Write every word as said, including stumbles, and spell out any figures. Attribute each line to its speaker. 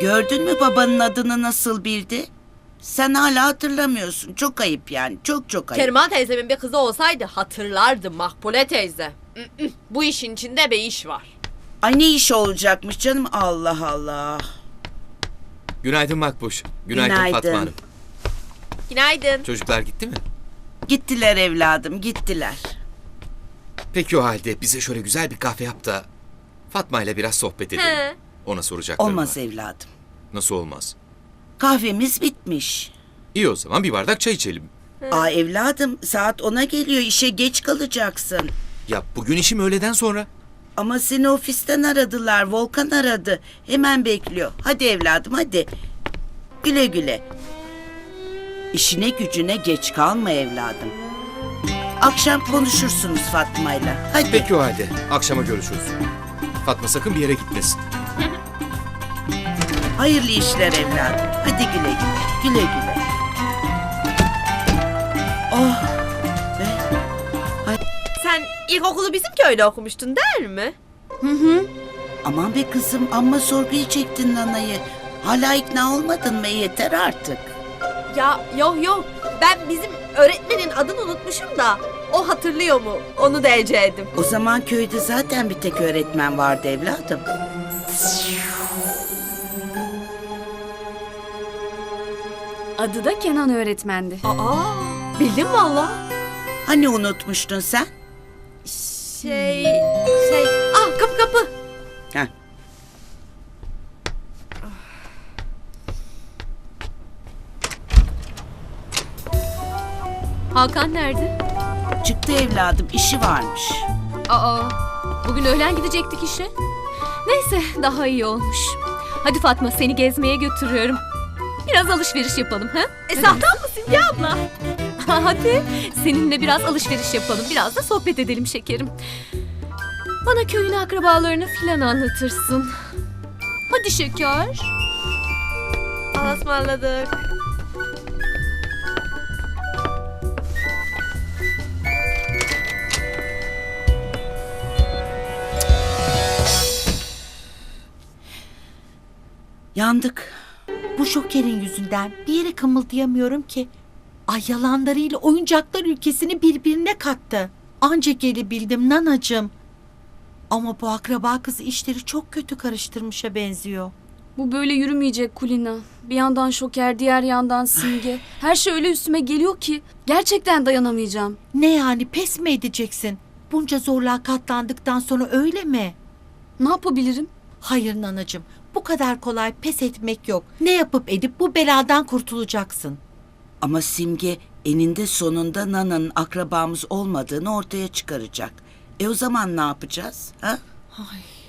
Speaker 1: Gördün mü babanın adını nasıl bildi? Sen hala hatırlamıyorsun. Çok ayıp yani. Çok çok ayıp.
Speaker 2: Keriman teyzemin bir kızı olsaydı hatırlardım Makbule teyze. Mm, mm. Bu işin içinde bir iş var.
Speaker 1: Ay ne iş olacakmış canım, Allah Allah.
Speaker 3: Günaydın Makbuş. Günaydın,
Speaker 1: Günaydın.
Speaker 3: Fatma Hanım.
Speaker 2: Günaydın.
Speaker 3: Çocuklar gitti mi?
Speaker 1: Gittiler evladım, gittiler.
Speaker 3: Peki o halde bize şöyle güzel bir kahve yap da Fatma ile biraz sohbet edelim.
Speaker 2: He.
Speaker 3: Ona soracaklarım
Speaker 1: Olmaz
Speaker 3: var.
Speaker 1: evladım.
Speaker 3: Nasıl olmaz?
Speaker 1: Kahvemiz bitmiş.
Speaker 3: İyi o zaman bir bardak çay içelim.
Speaker 1: Aa evladım, saat ona geliyor. İşe geç kalacaksın.
Speaker 3: Ya bugün işim öğleden sonra.
Speaker 1: Ama seni ofisten aradılar. Volkan aradı. Hemen bekliyor. Hadi evladım, hadi. Güle güle. İşine gücüne geç kalma evladım. Akşam konuşursunuz Fatma'yla. Hadi.
Speaker 3: Peki o halde akşama görüşürüz. Fatma sakın bir yere gitmesin.
Speaker 1: Hayırlı işler evladım. Hadi güle güle. Güle güle. Oh. Be.
Speaker 2: Sen ilkokulu bizim köyde okumuştun değil mi?
Speaker 1: Aman be kızım, amma sorguya çektin nanayı. Hala ikna olmadın mı? Yeter artık.
Speaker 2: Ya yok yok. Ben bizim öğretmenin adını unutmuşum da o hatırlıyor mu? Onu da eceğim.
Speaker 1: O zaman köyde zaten bir tek öğretmen vardı evladım.
Speaker 4: Adı da Kenan öğretmendi.
Speaker 2: Aa, bildim valla.
Speaker 1: Hani unutmuştun sen?
Speaker 2: Şey, şey. Ah kapı kapı.
Speaker 1: Heh.
Speaker 4: Hakan nerede?
Speaker 1: Çıktı evladım, işi varmış.
Speaker 4: Aa, bugün öğlen gidecektik işe. Neyse, daha iyi olmuş. Hadi Fatma, seni gezmeye götürüyorum. Biraz alışveriş yapalım, ha?
Speaker 2: E sahtan mısın ya abla?
Speaker 4: Hadi, seninle biraz alışveriş yapalım. Biraz da sohbet edelim şekerim. Bana köyün akrabalarını filan anlatırsın. Hadi şeker.
Speaker 2: Allah'a ısmarladık.
Speaker 1: Yandık.
Speaker 5: Bu şokerin yüzünden bir yere kımıldayamıyorum ki. Ay yalanlarıyla oyuncaklar ülkesini birbirine kattı. Anca gelebildim nanacığım. Ama bu akraba kız işleri çok kötü karıştırmışa benziyor.
Speaker 4: Bu böyle yürümeyecek Kulina. Bir yandan şoker, diğer yandan simge. Her şey öyle üstüme geliyor ki gerçekten dayanamayacağım.
Speaker 5: Ne yani, pes mi edeceksin? Bunca zorluğa katlandıktan sonra öyle mi?
Speaker 4: Ne yapabilirim?
Speaker 5: Hayır nanacığım, bu kadar kolay pes etmek yok. Ne yapıp edip bu beladan kurtulacaksın.
Speaker 1: Ama Simge eninde sonunda Nana'nın akrabamız olmadığını ortaya çıkaracak. E o zaman ne yapacağız? Ha?
Speaker 5: Ay.